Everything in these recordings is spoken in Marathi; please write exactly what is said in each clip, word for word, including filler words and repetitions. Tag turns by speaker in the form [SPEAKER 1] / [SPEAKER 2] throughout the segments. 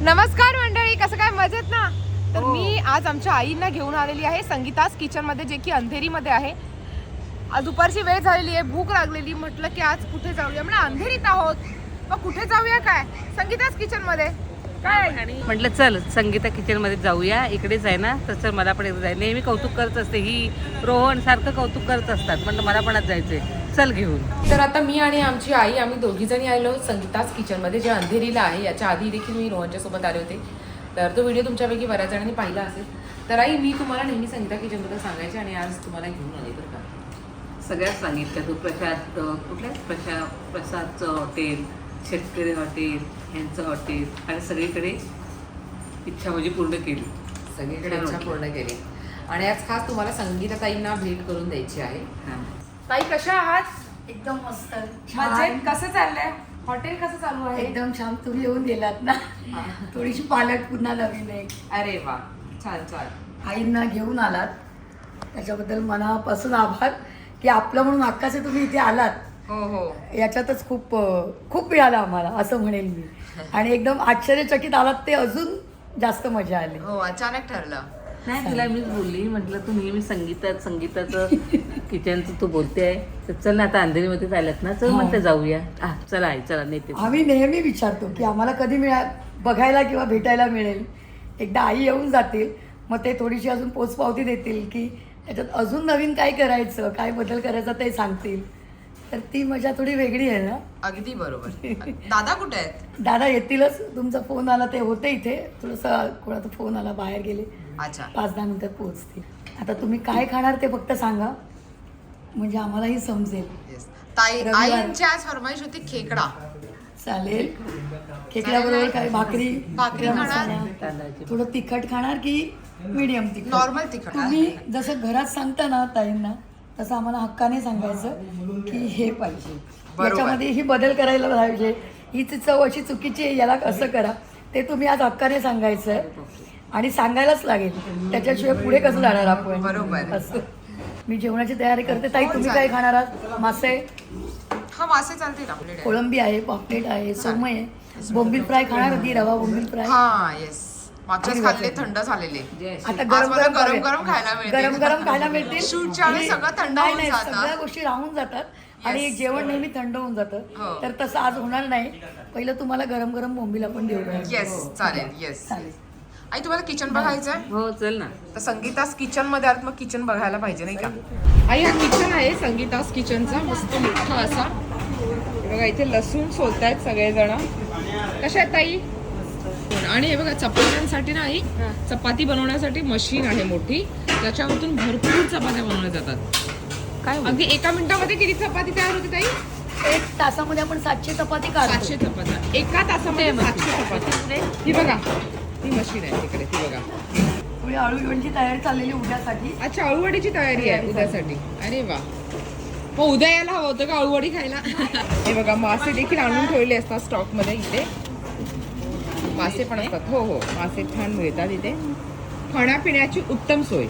[SPEAKER 1] नमस्कार मंडळी, कसं काय मजेत ना? तर मी आज आमच्या आईंना घेऊन आलेली आहे संगीतास किचन मध्ये, जे की अंधेरीमध्ये आहे. आज दुपारची वेळ झालेली आहे, भूक लागलेली, म्हटलं की आज कुठे जाऊया. म्हणजे अंधेरीत आहोत, मग कुठे जाऊया? काय संगीतास किचन मध्ये काय
[SPEAKER 2] म्हटलं चल संगीता किचन मध्ये जाऊया, इकडेच आहे ना. तर मला पण एकदा जाय, नेहमी कौतुक करत असते ही, रोहन सारखं कौतुक करत असतात. म्हटलं मला पण आज जायचंय, चल घेऊन.
[SPEAKER 1] तर आता मी आणि आमची आई आम्ही दोघी जणी आलो संगीतास किचन मध्ये, जे अंधेरीला आहे. याच्या आधी देखील मी रोहनच्या सोबत आले होते, तर तो व्हिडिओ तुमच्यापैकी बऱ्याच जणांनी पाहिला असेल. तर आई, मी तुम्हाला नेहमी संगीता किचन बद्दल सांगायचे आणि आज तुम्हाला घेऊन आले. तर का
[SPEAKER 2] सगळ्यात सांगितलं तू प्रसाद, कुठल्या प्रसाद प्रसादचं हॉटेल, शेतकरी हॉटेल, यांचं हॉटेल, आणि सगळीकडे इच्छा माझी पूर्ण केली,
[SPEAKER 1] सगळीकडे इच्छा पूर्ण केली. आणि आज खास तुम्हाला संगीता ताईंना भेट करून द्यायची आहे. ताई कशा आहात?
[SPEAKER 3] एकदम मस्त
[SPEAKER 1] मजेत. कसं चाललंय? हॉटेल कसं चालू आहे?
[SPEAKER 3] एकदम छान. तुम्ही येऊन गेलात ना, थोडीशी पालट पुन्हा नवीन आहे.
[SPEAKER 1] अरे वा, छान छान.
[SPEAKER 3] आईंना घेऊन आलात त्याच्याबद्दल मनापासून आभार, की आपलं म्हणून हक्काचे तुम्ही इथे आलात.
[SPEAKER 1] हो हो,
[SPEAKER 3] याच्यातच खूप खूप मिळालं आम्हाला, असं म्हणेल मी. आणि एकदम आश्चर्यचकित आलात, ते अजून जास्त मजा आली.
[SPEAKER 1] हो, अचानक ठरलं.
[SPEAKER 2] नाही, तुला मीच बोलली, म्हटलं तू नेहमी संगीतात संगीताचं किचनचं तू बोलते आहे, तर चल ना आता अंधेरीमध्ये चालत ना, चल म्हणते जाऊया. हा चला आई, चला नेते.
[SPEAKER 3] आम्ही नेहमी विचारतो की आम्हाला कधी मिळा बघायला किंवा भेटायला मिळेल. एकदा आई येऊन जातील, मग ते थोडीशी अजून पोचपावती देतील की त्याच्यात अजून नवीन काय करायचं, काय बदल करायचा ते सांगतील. तर ती मजा थोडी वेगळी आहे ना.
[SPEAKER 1] अगदी बरोबर. दादा कुठे आहेत?
[SPEAKER 3] दादा येतीलच. तुमचा फोन आला, ते होते इथे. थोडंसं कोणाचा फोन आला, बाहेर गेले.
[SPEAKER 1] अच्छा,
[SPEAKER 3] पाच दहा मिनिटात पोहोचतील. आता तुम्ही काय खाणार ते फक्त सांगा, म्हणजे आम्हालाही समजेल.
[SPEAKER 1] येस. ताई,
[SPEAKER 3] रविवार.
[SPEAKER 1] आईंची आज फरमाईश होती खेकडा.
[SPEAKER 3] चालेल. खेकड्याबरोबर काय भाकरी,
[SPEAKER 1] भाकरी
[SPEAKER 3] खेकडा
[SPEAKER 1] खाणार?
[SPEAKER 3] मसाला.
[SPEAKER 2] तांदळाची
[SPEAKER 3] थोडं तिखट खाणार की मीडियम तिखट?
[SPEAKER 1] नॉर्मल तिखट.
[SPEAKER 3] तुम्ही जसं घरात सांगता ना ताईंना, तसं आम्हाला हक्काने सांगायचं की हे पाहिजे,
[SPEAKER 1] बरोबर.
[SPEAKER 3] याच्यामध्ये ही बदल करायला पाहिजे, ही चव अशी चुकीची आहे, याला असं करा. ते तुम्ही आज हक्काने सांगायचं आणि सांगायलाच लागेल, त्याच्याशिवाय पुढे कसं जाणार आपण?
[SPEAKER 1] बरोबर.
[SPEAKER 3] असं. मी जेवणाची तयारी करते. ताई, तुम्ही काय खाणार आहात? मासे,
[SPEAKER 1] हा, मासे चालतील आपल्याकडे.
[SPEAKER 3] कोळंबी आहे, पापलेट आहे, सोमय आहे, बोंबील फ्राय खाणार होती, रवा बोंबील फ्राय.
[SPEAKER 1] हा, येस. मागच्याच खाल्ले, थंड झालेले.
[SPEAKER 3] आता
[SPEAKER 1] आज
[SPEAKER 3] गरम
[SPEAKER 1] मला
[SPEAKER 3] गरम
[SPEAKER 1] गरम गरम खायला मिळतील.
[SPEAKER 3] गरम गरम खायला मिळतील.
[SPEAKER 1] शूटच्या वेळी सगळं थंड
[SPEAKER 3] नाही
[SPEAKER 1] होऊन
[SPEAKER 3] नाही,
[SPEAKER 1] जातं.
[SPEAKER 3] सगळ्या गोष्टी राहून जातात आणि जेवण नेहमी थंड होऊन जातं.
[SPEAKER 1] हो.
[SPEAKER 3] तर तसं आज होणार नाही. पहिलं तुम्हाला गरम गरम बोंबील आपण देऊ.
[SPEAKER 1] येस, चालेल. येस.
[SPEAKER 3] चालेल.
[SPEAKER 1] आई, तुम्हाला किचन बघायचंय?
[SPEAKER 2] हो चल ना.
[SPEAKER 1] तर संगीतास किचन मध्ये आत, मग किचन बघायला पाहिजे नाही का? आई, हा किचन आहे संगीतास किचनचा, मस्त मोठा असा. हे बघा, इथे लसूण सोलतायत सगळेजण. कशा आहेत ताई? आणि हे बघा, चपात्यांसाठी ना आई, चपाती बनवण्यासाठी मशीन आहे मोठी, त्याच्यामधून भरपूर चपात्या बनवल्या जातात.
[SPEAKER 2] काय
[SPEAKER 1] अगदी एका मिनिटामध्ये किती चपाती तयार होते ताई?
[SPEAKER 3] एक तासामध्ये आपण सातशे चपाती काढतो.
[SPEAKER 1] सातशे चपात्या एका तासामध्ये. सातशे चपाती. ही बघा, ही मशीन आहे तिकडे, ती बघा.
[SPEAKER 3] पुढे अळूवडीची तयारी चाललेली उद्यासाठी.
[SPEAKER 1] अच्छा, अळूवडीची तयारी आहे उद्यासाठी. अरे वा, मग उद्या यायला हवं होतं का अळूवडी खायला? हे बघा, मासे देखील आणून ठेवले असतात स्टॉक मध्ये. इथे मासे पण असतात. हो हो, मासे छान मिळतात इथे. खाण्यापिण्याची उत्तम सोय.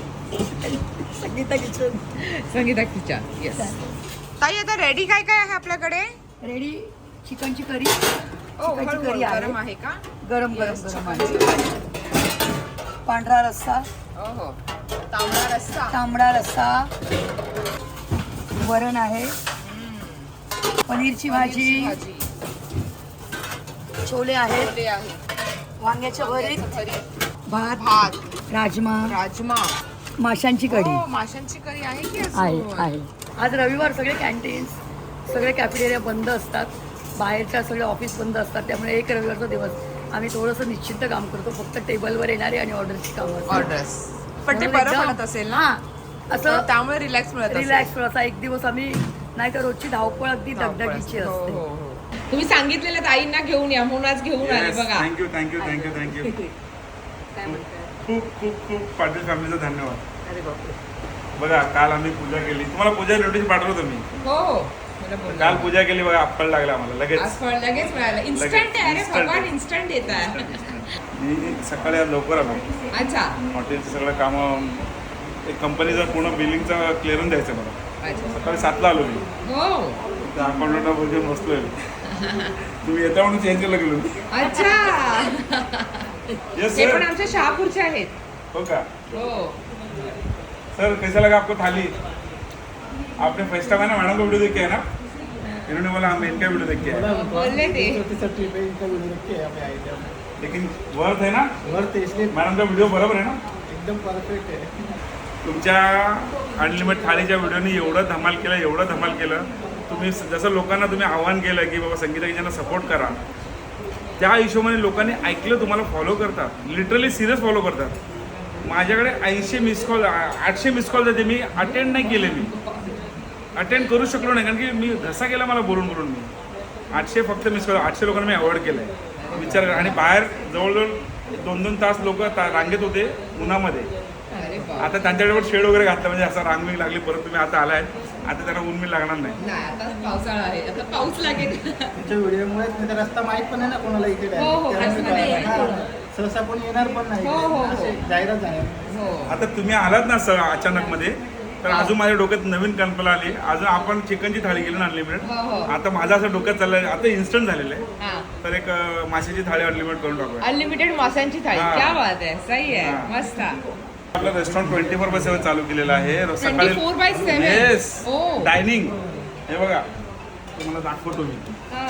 [SPEAKER 3] Sangeeta kitchen.
[SPEAKER 1] Sangeeta kitchen. Yes. ताई, आता रेडी काय काय आहे आपल्याकडे?
[SPEAKER 3] रेडी चिकनची करी.
[SPEAKER 1] ओ,
[SPEAKER 3] चिकनची
[SPEAKER 1] हळू-
[SPEAKER 3] करी
[SPEAKER 1] हळू.
[SPEAKER 3] आहे.
[SPEAKER 1] गरम आहे का?
[SPEAKER 3] गरम गरम
[SPEAKER 1] Yes,
[SPEAKER 3] गरम
[SPEAKER 1] चिकनची
[SPEAKER 3] आहे.
[SPEAKER 1] करी.
[SPEAKER 3] पांढरा रस्सा,
[SPEAKER 1] हो हो, तांबडा रस्सा.
[SPEAKER 3] तांबडा रस्सा, वरण आहे, पनीरची भाजी,
[SPEAKER 1] भाजी.
[SPEAKER 3] छोले आहेत,
[SPEAKER 1] छोले आहे.
[SPEAKER 3] वांग्याच्या भरीत,
[SPEAKER 1] भरीत.
[SPEAKER 3] भात,
[SPEAKER 1] भात,
[SPEAKER 3] राजमा,
[SPEAKER 1] राजमा.
[SPEAKER 3] माशांची कढी
[SPEAKER 1] हो, माशांची करी आहे की असं?
[SPEAKER 3] आहे आहे. आज रविवार, सगळे कॅन्टीन्स, सगळे कॅफेटेरिया बंद असतात, बाहेरच्या सगळे ऑफिस बंद असतात. त्यामुळे एक रविवारचा दिवस आम्ही थोडंसं निश्चिंत काम करतो. फक्त टेबलवर येणारे आणि ऑर्डरची कामं.
[SPEAKER 1] ऑर्डर्स. पण ते
[SPEAKER 3] म्हणून
[SPEAKER 1] बरं
[SPEAKER 3] एकदम-
[SPEAKER 1] पडत असेल ना?
[SPEAKER 3] हां, असं
[SPEAKER 1] त्यामुळे रिलॅक्स मिळत असेल.
[SPEAKER 3] रिलॅक्स थोडासा एक दिवस आम्ही, नाही तर रोजची धावपळ अगदी दगदगीची
[SPEAKER 1] हो,
[SPEAKER 3] असते.
[SPEAKER 1] हो, हो. तुम्ही सांगितलेलं आईंना घेऊन या, म्हणून आज घेऊन आले बघा.
[SPEAKER 4] थँक्यू थँक्यू थँक्यू थँक्यू
[SPEAKER 2] काय म्हणताय?
[SPEAKER 4] खूप खूप खूप पाटील फॅमिलीचा धन्यवाद.
[SPEAKER 2] अरे बापरे.
[SPEAKER 4] बघा, काल आम्ही पूजा केली. तुम्हाला पूजा नोटीस पाठवतो मी.
[SPEAKER 1] हो हो, मला बोला.
[SPEAKER 4] काल पूजा केली बघा, फळ लागला आम्हाला लगेच.
[SPEAKER 1] आज फळ लगेच मिळालं. इन्स्टंट आहे. अरे
[SPEAKER 4] Instant.
[SPEAKER 1] भगवान इन्स्टंट येत आहे.
[SPEAKER 4] मी सकाळी आज लवकर आलो.
[SPEAKER 1] अच्छा
[SPEAKER 4] हॉटेलचं सगळं कामं, एक कंपनीचं पूर्ण बिलिंगचं क्लिअरून द्यायचं मला.
[SPEAKER 1] अच्छा.
[SPEAKER 4] सकाळी सातला आलो मी.
[SPEAKER 1] हो,
[SPEAKER 4] त्या अकाउंटला बोलून बसलोय. तुम्ही येता म्हणून चेंज केलं गेलो.
[SPEAKER 1] अच्छा.
[SPEAKER 4] Yes,
[SPEAKER 1] हे
[SPEAKER 4] sir.
[SPEAKER 1] पण आमच्या शहापूरचे आहेत.
[SPEAKER 4] हो का
[SPEAKER 1] हो.
[SPEAKER 4] सर कैसा लगा आपको थाली आपने फर्स्ट टाइम है ना मैडम का वीडियो देख के है ना इन्होंने बोला हम इनका वीडियो देख के आए
[SPEAKER 1] बोलले ते.
[SPEAKER 5] ट्रिप है इनका वीडियो देख के यहाँ पे आए थे हम।
[SPEAKER 4] लेकिन वर्थ है ना
[SPEAKER 5] वर्थ है इसलिए
[SPEAKER 4] मॅडम का व्हिडिओ बरोबर आहे ना
[SPEAKER 5] एकदम परफेक्ट है।
[SPEAKER 4] तुमच्या अनलिमिटेड थाळीच्या व्हिडिओनी एवढं धमाल केलं एवढं धमाल केलं तुम्ही जसं लोकांना तुम्ही आव्हान केलं की बाबा संगीता किचनला सपोर्ट करा त्या हिशोबाने लोकांनी ऐकलं तुम्हाला फॉलो करतात लिटरली सिरियस फॉलो करतात माझ्याकडे ऐंशी मिस कॉल आठशे मिस कॉल जाते मी अटेंड नाही केले मी अटेंड करू शकलो नाही कारण की मी घसा गेला मला बोलून बोलून मी आठशे फक्त मिस कॉल आठशे लोकांना मी अवॉइड केलं आहे विचार करा आणि बाहेर जवळजवळ दोन दोन तास लोक रांगेत होते उन्हामध्ये
[SPEAKER 1] अरे बाप.
[SPEAKER 4] आता त्यांच्याकडे शेड वगैरे घातलं म्हणजे असं रांगबिंग लागली परत तुम्ही आता आलाय आता त्यांना ऊन मी लागणार नाही
[SPEAKER 1] नाही आता पावसाळा आहे आता पाऊस लागेल.
[SPEAKER 5] तुमच्या व्हिडिओमुळे नाही तर रस्ता माहीत पण आहे ना कोणाला इथे direct.
[SPEAKER 1] हो, हो,
[SPEAKER 5] त्यामुळे
[SPEAKER 1] रस्ता नाही
[SPEAKER 5] काय-
[SPEAKER 1] आहे.
[SPEAKER 5] हा, सहसा कोणी येणार पण नाही
[SPEAKER 1] हो, हो, हो.
[SPEAKER 5] असे जाहिरात झाल्या
[SPEAKER 1] हो.
[SPEAKER 4] आता तुम्ही आलात ना सर अचानक मध्ये तर अजून माझ्या डोक्यात नवीन कल्पना आली अजून आपण चिकनची थाळी केली ना अनलिमिटेड
[SPEAKER 1] हो, हो.
[SPEAKER 4] आता माझं असं डोक्यात चाललंय आता इन्स्टंट झालेलं आहे
[SPEAKER 1] हा.
[SPEAKER 4] तर एक अं, माशाची थाळी अनलिमिटेड करून टाकूया
[SPEAKER 1] अनलिमिटेड माशांची थाळी
[SPEAKER 4] हा.
[SPEAKER 1] क्या बात आहे सही आहे
[SPEAKER 4] हा.
[SPEAKER 1] मस्त.
[SPEAKER 4] आपलं restaurant twenty four by seven चालू केलेलं आहे
[SPEAKER 1] twenty four by seven
[SPEAKER 4] yes
[SPEAKER 1] ओ
[SPEAKER 4] डायनिंग हे बघा तुम्हाला दाखवतो मी
[SPEAKER 1] हा.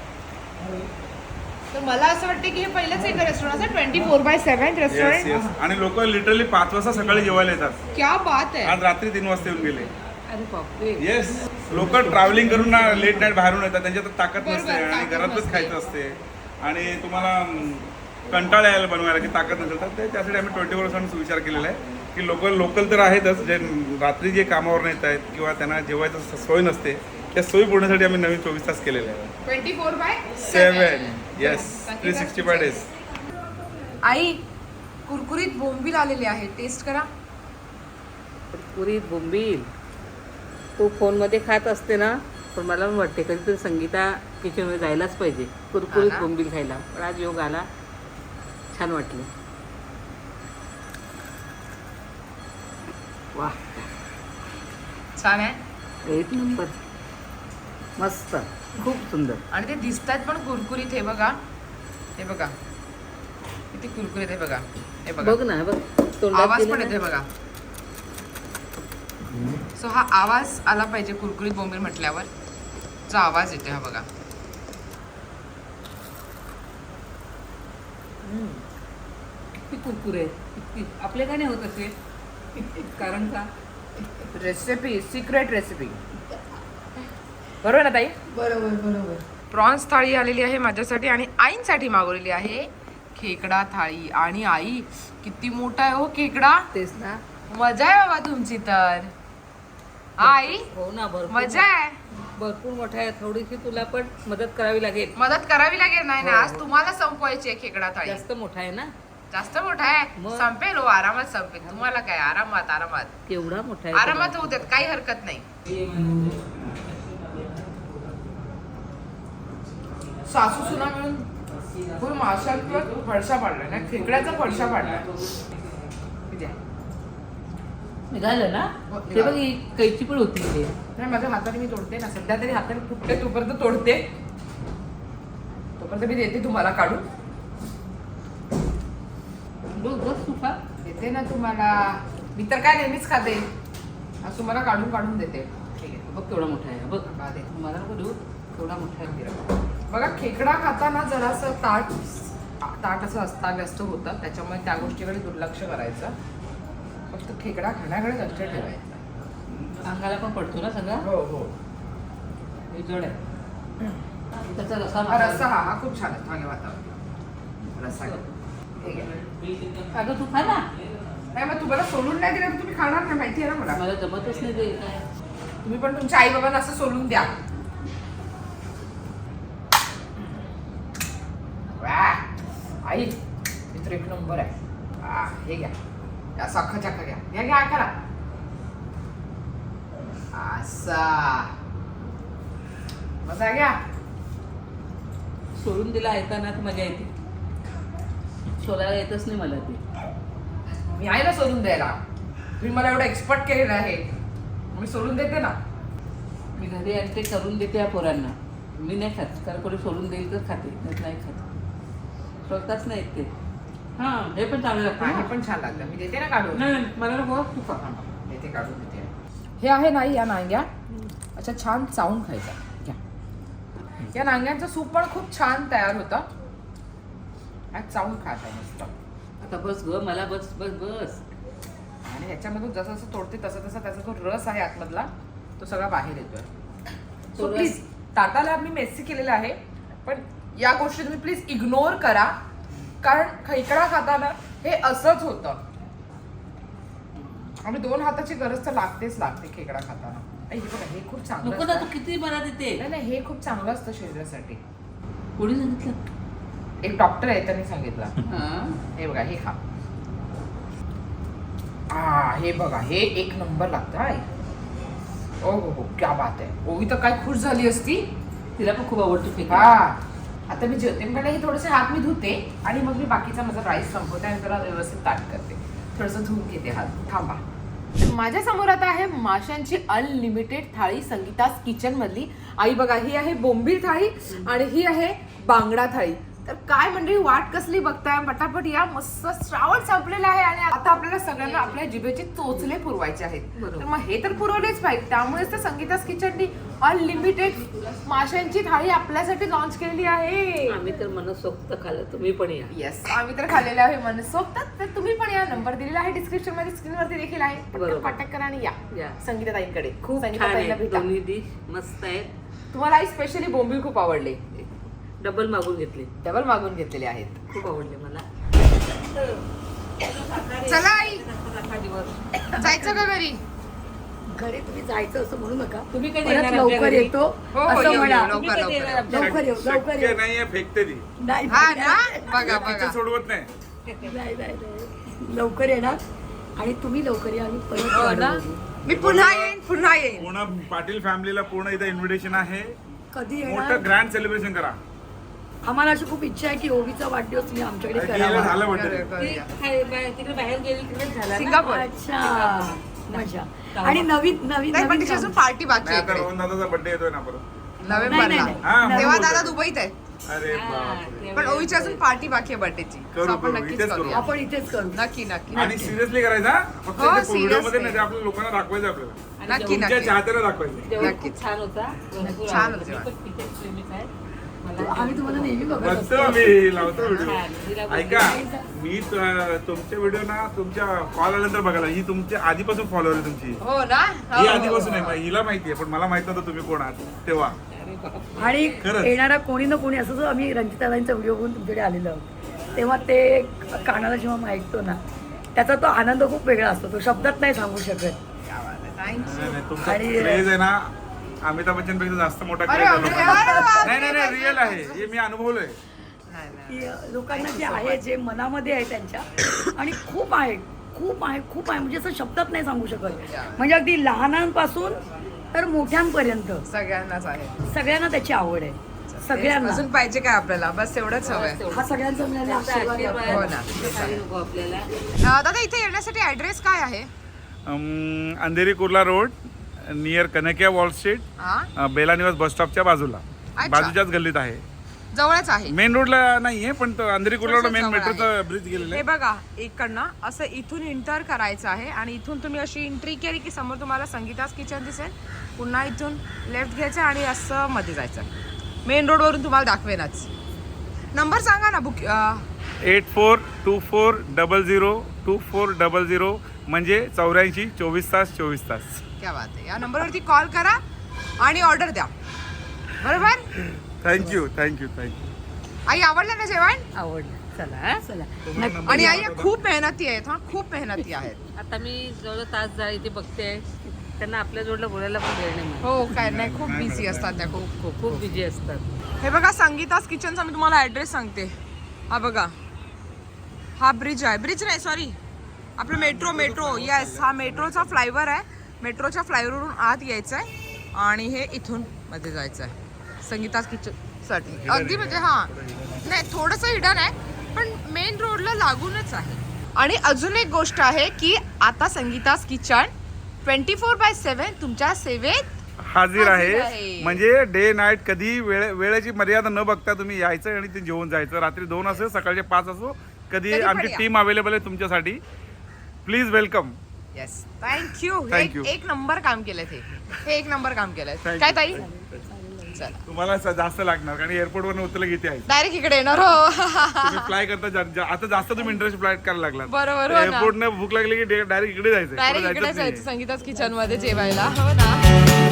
[SPEAKER 1] तर मला असं वाटतं की हे पहिलंच एक रेस्टॉरंट असं twenty four by seven
[SPEAKER 4] yes
[SPEAKER 1] restaurant.
[SPEAKER 4] Yes आणि लोक लिटरली पाच वाजता सकाळी जेवायला येतात
[SPEAKER 1] क्या बात आहे.
[SPEAKER 4] आज रात्री तीन वाजता येऊन गेले
[SPEAKER 1] अरे बापरे.
[SPEAKER 4] येस लोक ट्रॅव्हलिंग करून ना लेट नाईट बाहेरून येतात त्यांच्यात ताकद
[SPEAKER 1] बरोबर,
[SPEAKER 4] नसते आणि
[SPEAKER 1] ताकद
[SPEAKER 4] घरातच
[SPEAKER 1] नसते.
[SPEAKER 4] खायचं असते आणि तुम्हाला अं, कंटाळा यायला बनवायला की ताकद नसेल तर ते त्यासाठी आम्ही ट्वेंटी फोर सेवन विचार केलेला आहे की लोक लोकल तर आहेतच जे रात्री जे कामावर येत आहेत किंवा त्यांना जेवायचं सोय नसते त्या सोयी पूर्णसाठी आम्ही नवीन चोवीस तास केलेले आहे
[SPEAKER 1] twenty four by
[SPEAKER 4] seven yes three sixty five days
[SPEAKER 1] आई कुरकुरीत बोंबील आलेले आहे टेस्ट करा.
[SPEAKER 2] कुरकुरीत बोंबील तू फोनमध्ये खात असते ना पण मला पण वाटते कधीतरी संगीता किचनमध्ये जायलाच पाहिजे कुरकुरीत
[SPEAKER 1] हा ना?
[SPEAKER 2] बोंबील खायला पण आज योग आला छान वाटलं वा
[SPEAKER 1] छान आहे
[SPEAKER 2] एक नंबर मस्त खूप सुंदर
[SPEAKER 1] आणि ते दिसतात पण कुरकुरीत. हे बघा हे बघा किती कुरकुरीत आहे बघा. हे बघा
[SPEAKER 2] बघ ना बघ तोंडात
[SPEAKER 1] आवाज
[SPEAKER 2] गेलं
[SPEAKER 1] पण
[SPEAKER 2] ना.
[SPEAKER 1] येते बघा. सो हा आवाज आला पाहिजे कुरकुरीत बोंबील म्हटल्यावर जो आवाज येतो हा बघा.
[SPEAKER 2] किती कुरकुरे किती आपले का नाही होत असे कारण का
[SPEAKER 1] रेसिपी सिक्रेट रेसिपी बरोबर ना ताई.
[SPEAKER 3] बरोबर बरोबर.
[SPEAKER 1] प्रॉन्स थाळी आलेली आहे माझ्यासाठी आणि आईंसाठी मागवलेली आहे खेकडा थाळी. आणि आई किती मोठा आहे हो खेकडा.
[SPEAKER 2] तेच ना
[SPEAKER 1] मजा आहे बाबा तुमची तर. हा, आई
[SPEAKER 2] हो ना भरपूर
[SPEAKER 1] मजा आहे.
[SPEAKER 2] भरपूर मोठा आहे थोडीशी तुला पण मदत करावी लागेल
[SPEAKER 1] मदत करावी लागेल. नाही ना
[SPEAKER 2] हो,
[SPEAKER 1] आज
[SPEAKER 2] हो.
[SPEAKER 1] तुम्हाला संपवायची आहे खेकडा थाळी.
[SPEAKER 2] जास्त मोठा आहे ना
[SPEAKER 1] जास्त मोठा आहे
[SPEAKER 2] मग?
[SPEAKER 1] संपेल हो आरामात संपेल. तुम्हाला काय आरामात आरामात
[SPEAKER 2] केवढा मोठा आहे
[SPEAKER 1] आरामात होऊ देत काही हरकत नाही. सासू सुना मिळून फुल माशाचा फडशा पाडलाय ना खेकड्याचा फडशा पाडलाय. किती आहे?
[SPEAKER 2] निघालं ना
[SPEAKER 1] हो,
[SPEAKER 2] ते
[SPEAKER 1] निघालं.
[SPEAKER 2] बघ ही कैची पण होती इथे.
[SPEAKER 1] नाही माझ्या हाताने मी तोडते ना सध्या तरी हाताने फुटते तोपर्यंत तोडते तोपर्यंत मी देते तुम्हाला काढून.
[SPEAKER 2] बघ बघ तू खा.
[SPEAKER 1] देते ना तुम्हाला. मी तर काय नेहमीच खाते आज तुम्हाला काढून काढून देते. ठीक आहे
[SPEAKER 2] बघ केवढा मोठा आहे बघ
[SPEAKER 1] बघा दे.
[SPEAKER 2] मला नको देऊ केवढा मोठा आहे
[SPEAKER 1] बघा खेकडा खाताना जरासं ताट ताट असं अस्ताव्यस्त होतं त्याच्यामुळे त्या गोष्टीकडे दुर्लक्ष करायचं. फक्त खेकडा खाण्याकडे लक्ष ठेवायचं.
[SPEAKER 2] अंगाला पण पडतो ना सगळा
[SPEAKER 1] हो हो.
[SPEAKER 2] हे जड आहे त्याचा रसा
[SPEAKER 1] हा रस्सा हा हा खूप छान आहे. मागे वातावरण रस्सा घ्या. हे घ्या.
[SPEAKER 2] अगं तू खा ना
[SPEAKER 1] नाही मग तुम्हाला सोलून नाही दिलं तर तुम्ही खाणार नाही माहिती आहे ना मला.
[SPEAKER 2] मला जमतच नाही ते काय
[SPEAKER 1] तुम्ही पण तुमच्या आई बाबांना असं सोलून द्या. वाह! आई मित्र एक नंबर आहे. आ, हे घ्या या सख्खा चक्का घ्या घ्या घ्या करा असा मजा घ्या.
[SPEAKER 2] सोडून दिला ऐकताना तर मजा येते सोलायला येतच नाही मला ते.
[SPEAKER 1] मी आहे ना सोलून द्यायला. तुम्ही मला एवढं एक्सपर्ट केलेलं आहे मी सोलून देते ना.
[SPEAKER 2] मी घरी आणि ते करून देते या पोरांना मी नाही खात कारण कोणी सोडून देईल तर खाते नाही नाही खात स्वतःच नाही येत ते हा हे पण चांगलं लागतं
[SPEAKER 1] आणि
[SPEAKER 2] ना.
[SPEAKER 1] हे पण छान लागतं. मी देते ना काढून.
[SPEAKER 2] नाही नाही, मला नको तू खा.
[SPEAKER 1] देते काढून देते. हे आहे नाही या नांग्या अच्छा छान चावून खायचा. घ्या. या नांग्यांचं सूप पण खूप छान तयार होतं. आज चावून खायचं मस्त.
[SPEAKER 2] आता बस ग मला बस बस बस.
[SPEAKER 1] आणि ह्याच्यामधून जसं जसं तोडते तसं तसं त्याचा जो रस आहे आतमधला तो सगळा बाहेर येतोय.
[SPEAKER 2] तो
[SPEAKER 1] सो
[SPEAKER 2] रस-
[SPEAKER 1] प्लीज ताटाला मी मेसी केलेलं आहे पण या गोष्टी तुम्ही प्लीज इग्नोर करा कारण खेकडा खाताना हे असंच होतं आणि दोन हाताची गरज तर लागतेच लागते खेकडा खाताना. आई, हे बघा, हे खूप चांगलं
[SPEAKER 2] नको ना
[SPEAKER 1] असतं.
[SPEAKER 2] तू किती मला देते.
[SPEAKER 1] नाही नाही हे खूप चांगलं असतं शरीरासाठी.
[SPEAKER 2] कोणी सांगितलं.
[SPEAKER 1] एक डॉक्टर आहे त्यांनी सांगितलं.
[SPEAKER 2] हा
[SPEAKER 1] हे बघा हे खा. आ हे बघा हे एक नंबर लागतं आहे. ओ हो हो क्या बात आहे. ओवी तर काय खुश झाली असती.
[SPEAKER 2] तिला पण खूप आवडतो
[SPEAKER 1] हा
[SPEAKER 2] खेकडा.
[SPEAKER 1] आता मी जेवते म्हणलं हे थोडेसे हात मी धुते आणि मग मी बाकीचा माझा राईस संपवते आणि त्याला व्यवस्थित ताट करते. थोडंसं धुवून घेते हात. थांबा. माझ्या समोर आता आहे माशांची अनलिमिटेड थाळी संगीतास किचन मधली. आई बघा ही आहे बोंबील थाळी आणि ही आहे बांगडा थाळी. तर काय म्हणजे वाट कसली बघताय पटापट या. मस्त श्रावण संपलेला आहे आणि आता आपल्याला सगळ्यांना आपल्या जिभेचे चोचले पुरवायचे आहेत.
[SPEAKER 2] बरोबर.
[SPEAKER 1] तर मग हे तर पुरवलेच पाहिजे. त्यामुळेच तर संगीतास किचननी अनलिमिटेड माशांची थाळी आपल्यासाठी लॉन्च केलेली आहे.
[SPEAKER 2] आम्ही तर मनसोक्त खाल्लं तुम्ही पण या.
[SPEAKER 1] येस आम्ही तर खाल्लेले आहे मनसोक्त. तर तुम्ही पण या. नंबर दिलेला आहे डिस्क्रिप्शन मध्ये स्क्रीनवरती देखील आहे.
[SPEAKER 2] बरोबर.
[SPEAKER 1] कॉन्टॅक्ट करा आणि या
[SPEAKER 2] या.
[SPEAKER 1] संगीताताईंकडे.
[SPEAKER 2] खूप छान
[SPEAKER 1] संगीताताईंना
[SPEAKER 2] आहे
[SPEAKER 1] भेटा.
[SPEAKER 2] दोन्ही डिश मस्त आहेत.
[SPEAKER 1] तुम्हाला आई स्पेशली बोंबील खूप आवडले.
[SPEAKER 2] डबल मागून घेतली.
[SPEAKER 1] डबल मागून घेतलेले आहेत.
[SPEAKER 2] खूप आवडले मला.
[SPEAKER 1] चला आई
[SPEAKER 2] दिवस
[SPEAKER 1] जायचं का घरी.
[SPEAKER 3] घरी तुम्ही जायचं असं म्हणू नका.
[SPEAKER 2] तुम्ही कधी
[SPEAKER 3] परत
[SPEAKER 2] येणार आमच्या
[SPEAKER 3] लवकर
[SPEAKER 2] घरी?
[SPEAKER 3] येतो
[SPEAKER 1] हो, हो,
[SPEAKER 3] असं
[SPEAKER 1] येऊ,
[SPEAKER 3] म्हणा.
[SPEAKER 1] येऊ,
[SPEAKER 2] तुम्ही
[SPEAKER 1] लवकर
[SPEAKER 2] कधी येणार
[SPEAKER 1] लवकर
[SPEAKER 2] आमच्या
[SPEAKER 3] लवकर येऊ लवकर
[SPEAKER 4] शक्य
[SPEAKER 3] येऊ.
[SPEAKER 4] नाहीये फेकते ती
[SPEAKER 3] नाही
[SPEAKER 1] हा
[SPEAKER 3] नाही,
[SPEAKER 1] ना बघा
[SPEAKER 4] तिचं
[SPEAKER 1] बघा.
[SPEAKER 4] सोडवत नाही.
[SPEAKER 3] नाही, नाही, नाही. लवकर येणार आणि तुम्ही लवकर या आणि परत
[SPEAKER 2] हो
[SPEAKER 3] वाट
[SPEAKER 2] ना?
[SPEAKER 3] बघू.
[SPEAKER 1] मी पुन्हा येईन पुन्हा येईन.
[SPEAKER 4] पूर्ण पाटील फॅमिलीला पूर्ण इथं इन्व्हिटेशन आहे.
[SPEAKER 3] कधी येणार
[SPEAKER 4] मोठं ग्रँड सेलिब्रेशन करा.
[SPEAKER 3] आम्हाला अशी खूप इच्छा आहे की ओवीचा वाढदिवस तुम्ही आमच्याकडे
[SPEAKER 4] गेलं
[SPEAKER 3] करावा.
[SPEAKER 4] झालं
[SPEAKER 1] करूया,
[SPEAKER 4] वाटतं.
[SPEAKER 1] करूया.
[SPEAKER 2] ती खाय- बाहेर- तिकडे बाहेर गेली तिकडे झाला ना.
[SPEAKER 1] सिंगापूर.
[SPEAKER 3] अच्छा मजा. आणि नवीन नवीन
[SPEAKER 1] नाही पण
[SPEAKER 3] नवीन
[SPEAKER 1] तिची अजून
[SPEAKER 3] काम.
[SPEAKER 1] पार्टी बाकी
[SPEAKER 4] नाही,
[SPEAKER 1] आहे
[SPEAKER 4] आता
[SPEAKER 1] इकडे.
[SPEAKER 4] रोहन दादाचा बर्थडे येतोय ना परत.
[SPEAKER 3] नाही,
[SPEAKER 1] नोव्हेंबरला
[SPEAKER 3] नाही,
[SPEAKER 4] हा,
[SPEAKER 3] नाही.
[SPEAKER 1] तेव्हा
[SPEAKER 4] म्हणून
[SPEAKER 1] दादा
[SPEAKER 4] बोलतोय.
[SPEAKER 1] दुबईत आहे.
[SPEAKER 4] अरे
[SPEAKER 2] हा,
[SPEAKER 4] बापरे.
[SPEAKER 2] ते
[SPEAKER 1] पण ओवीची अजून पार्टी बाकी आहे बर्थडेची.
[SPEAKER 4] करू,
[SPEAKER 1] आपण
[SPEAKER 4] करू.
[SPEAKER 1] नक्कीच
[SPEAKER 4] इथेच
[SPEAKER 1] करूया.
[SPEAKER 4] करू.
[SPEAKER 3] आपण इथेच करू.
[SPEAKER 1] नक्की नक्की
[SPEAKER 4] आणि
[SPEAKER 1] नक्की.
[SPEAKER 4] सिरियसली करायचा हा? फक्त
[SPEAKER 1] हो,
[SPEAKER 4] व्हिडिओ मध्ये
[SPEAKER 1] seriously.
[SPEAKER 4] नाही ते आपल्या लोकांना दाखवायचं आपल्याला.
[SPEAKER 2] आणि
[SPEAKER 1] नक्की
[SPEAKER 2] जेवण-
[SPEAKER 4] तुमच्या
[SPEAKER 1] नक्की.
[SPEAKER 4] चाहत्याला दाखवायचं.
[SPEAKER 2] जेवण
[SPEAKER 1] नक्कीच.
[SPEAKER 2] खूप छान होता. भरपूर
[SPEAKER 1] छान
[SPEAKER 2] आवडलं.
[SPEAKER 1] होतं
[SPEAKER 2] मी
[SPEAKER 1] जेवण.
[SPEAKER 2] पण पिझ्झाची प्रेमीच आहे. मला
[SPEAKER 3] आम्ही तुम्हाला नेहमी बघत
[SPEAKER 4] बघतो
[SPEAKER 3] असतो.
[SPEAKER 4] मी लावतो व्हिडिओ.
[SPEAKER 2] छान. तिला बोलली.
[SPEAKER 4] ऐका मी त- तुमचे व्हिडिओ ना तुमच्या कॉल आल्यानंतर बघायला ही तुमच्या आधीपासून फॉलोअर आहे तुमची.
[SPEAKER 1] हो ना
[SPEAKER 4] ही
[SPEAKER 1] हो,
[SPEAKER 4] आधीपासून
[SPEAKER 1] हो, हो.
[SPEAKER 4] आहे हिला माहिती आहे पण मला माहित नव्हतं तुम्ही कोण आहात तेव्हा.
[SPEAKER 2] अरे बाप.
[SPEAKER 3] आणि
[SPEAKER 4] खरंच.
[SPEAKER 3] येणारा कोणी ना कोणी असं जो आम्ही रंजिताताईंचा व्हिडिओ बघून तुमच्याकडे आलेलो आहोत तेव्हा ते कानाला जेव्हा मी ऐकतो ना त्याचा तो आनंद खूप वेगळा असतो. तो शब्दात नाही सांगू शकत.
[SPEAKER 1] Thank you.
[SPEAKER 4] नाही, नाही, तुमचा
[SPEAKER 3] आणि-
[SPEAKER 4] क्रेज आहे ना अमिताभ बच्चन पेक्षा जास्त मोठा
[SPEAKER 1] अरे
[SPEAKER 4] क्रेज आहे
[SPEAKER 1] बापरे,
[SPEAKER 4] लोकांना.
[SPEAKER 1] अरे बापरे.
[SPEAKER 4] नाही नाही नाही रिअल आहे हे मी अनुभवलंय.
[SPEAKER 1] नाही, नाही.
[SPEAKER 3] की लोकांना जे आहे जे मनामध्ये आहे त्यांच्या आणि खूप आहे खूप आहे खूप आहे म्हणजे असं शब्दात नाही सांगू शकत. म्हणजे अगदी लहानांपासून तर मोठ्यांपर्यंत
[SPEAKER 1] सगळ्यांनाच आहे.
[SPEAKER 3] सगळ्यांना त्याची आवड आहे. सगळ्यांना
[SPEAKER 1] अजून पाहिजे काय आपल्याला बस एवढंच हवंय.
[SPEAKER 3] हा सगळ्यांचा मिळालेला
[SPEAKER 2] तुमचा
[SPEAKER 3] आशीर्वाद आहे
[SPEAKER 2] आशीर्वाद.
[SPEAKER 3] आपल्याला.
[SPEAKER 1] हो ना.
[SPEAKER 2] काही नको आपल्याला.
[SPEAKER 1] अं, दादा इथे येण्यासाठी ऍड्रेस काय आहे.
[SPEAKER 4] Um, Andheri Kurla road near Kanakia Wall Street
[SPEAKER 1] हा
[SPEAKER 4] बेला निवास बस स्टॉपच्या बाजूला
[SPEAKER 1] अच्छा.
[SPEAKER 4] बाजूच्याच गल्लीत आहे.
[SPEAKER 1] जवळच आहे.
[SPEAKER 4] मेन रोडला नाहीये पण तो अंधेरी कुर्ला रोड
[SPEAKER 1] थोडंसं
[SPEAKER 4] मेन
[SPEAKER 1] जवळ आहे.
[SPEAKER 4] मेट्रोचा ब्रिज गेलेला
[SPEAKER 1] हे
[SPEAKER 4] आहे.
[SPEAKER 1] बघा इकडनं असं इथून एंटर करायचं आहे आणि इथून तुम्ही अशी एंट्री केली की समोर तुम्हाला संगीतास किचन दिसेल. पुन्हा इथून लेफ्ट घ्यायचं आणि असं मध्ये जायचं. मेन रोडवरून तुम्हाला दाखवेनच. नंबर सांगा ना book.
[SPEAKER 4] Eight four two four double zero two four double zero म्हणजे चौऱ्याऐंशी चोवीस तास चोवीस तास.
[SPEAKER 1] क्या बात आहे. या नंबरवरती कॉल करा आणि ऑर्डर द्या. बरोबर.
[SPEAKER 4] Thank you thank you thank you.
[SPEAKER 1] आई आवडलं ना जेवण.
[SPEAKER 2] आवडलं. चला हा.
[SPEAKER 3] चला
[SPEAKER 1] आणि आई या खूप मेहनती आहेत हा खूप मेहनती आहेत.
[SPEAKER 2] आता मी जवळ तास जा इथे बघते त्यांना आपल्या जोडला बोलायला पण वेळ नाही मिळत.
[SPEAKER 1] हो काय नाही खूप बिझी असतात त्या खूप.
[SPEAKER 2] खूप खूप बिझी असतात.
[SPEAKER 1] हे बघा संगीतास किचनचा मी तुम्हाला ॲड्रेस सांगते. हा बघा हा ब्रिज आहे. ब्रिज नाही सॉरी आपलं मेट्रो मेट्रो येस हा मेट्रोचा फ्लायओव्हर आहे. मेट्रोच्या फ्लायओव्हरवरून आत यायचं आहे आणि हे इथून मध्ये जायचं आहे संगीतास किचनसाठी. अगदी म्हणजे हां नाही थोडंसं हिडन आहे पण मेन रोडला लागूनच आहे. आणि अजून एक गोष्ट आहे की आता Sangeeta's kitchen twenty four by seven तुमच्या सेवेत
[SPEAKER 4] हाजीर
[SPEAKER 1] हाजीर
[SPEAKER 4] आहे.
[SPEAKER 1] आहे.
[SPEAKER 4] म्हणजे डे नाईट कधी वेळे वेळेची मर्यादा न बघता तुम्ही यायचं आणि ते जेवून जायचं. रात्री दोन असो सकाळचे पाच असो कधी
[SPEAKER 1] कधी पण
[SPEAKER 4] आमची
[SPEAKER 1] या.
[SPEAKER 4] टीम अवेलेबल आहे तुमच्यासाठी. Please welcome.
[SPEAKER 1] Yes thank you
[SPEAKER 4] Thank you.
[SPEAKER 1] एक नंबर काम केलं ते हे एक नंबर काम केलंय
[SPEAKER 4] Thank
[SPEAKER 1] काय
[SPEAKER 4] you.
[SPEAKER 1] ताई चला
[SPEAKER 4] तुम्हाला स- जास्त लागणार कारण एअरपोर्ट वरून उतरलं किती आहे.
[SPEAKER 1] डायरेक्ट इकडे येणार हो
[SPEAKER 4] तुम्ही फ्लाय करता जा- जा- आता जास्त तुम्ही इंटरेस्ट फ्लाईट करायला लागला.
[SPEAKER 1] बरोबर, हो ना.
[SPEAKER 4] एअरपोर्ट ने भूक लागली की डायरेक्ट इकडे जायचं.
[SPEAKER 1] डायरेक्ट
[SPEAKER 4] परत
[SPEAKER 1] इकडे
[SPEAKER 4] जायचंच
[SPEAKER 1] जायचं
[SPEAKER 4] नाहीये.
[SPEAKER 1] संगीताच किचन मध्ये जेवायला हो ना